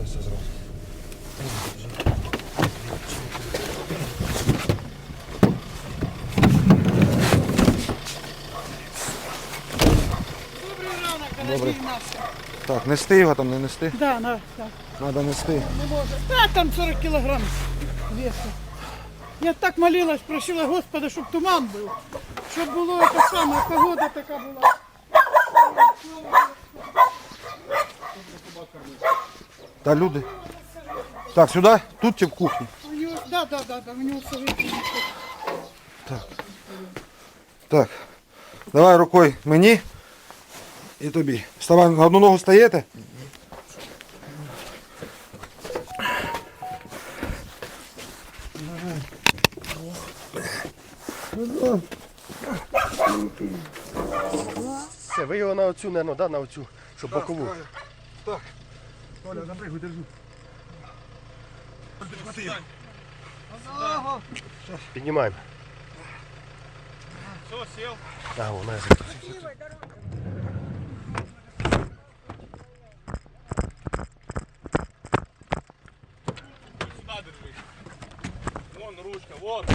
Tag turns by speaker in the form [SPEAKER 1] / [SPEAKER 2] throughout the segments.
[SPEAKER 1] все зразу.
[SPEAKER 2] Добрий ранок,
[SPEAKER 1] Добрий.
[SPEAKER 2] дорогі наші.
[SPEAKER 1] Так, нести його там, не нести?
[SPEAKER 2] Да,
[SPEAKER 1] Треба нести.
[SPEAKER 2] не може. Та там 40 кілограм весу. Я так молилась, просила Господа, щоб туман був. Щоб було те саме, погода така була.
[SPEAKER 1] Та люди. Так, сюди? Тут чи в кухні?
[SPEAKER 2] У нього, да, у нього все вийшло.
[SPEAKER 1] Так. Давай рукою мені і тобі. Вставай, на одну ногу стаєте?
[SPEAKER 3] Все, ви його на оцю, наверное, да, на оцю, щоб бокову.
[SPEAKER 1] Так. Оля, запрыгуй, держу.
[SPEAKER 3] Піднімаємо.
[SPEAKER 4] Все, сел.
[SPEAKER 3] А, вона.
[SPEAKER 4] Сюда держи. Вон ручка, вот.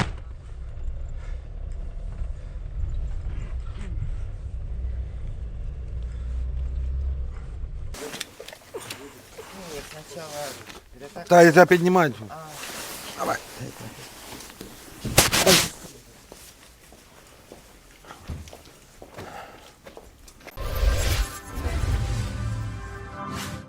[SPEAKER 1] Так, я тебе піднімаю. Давай.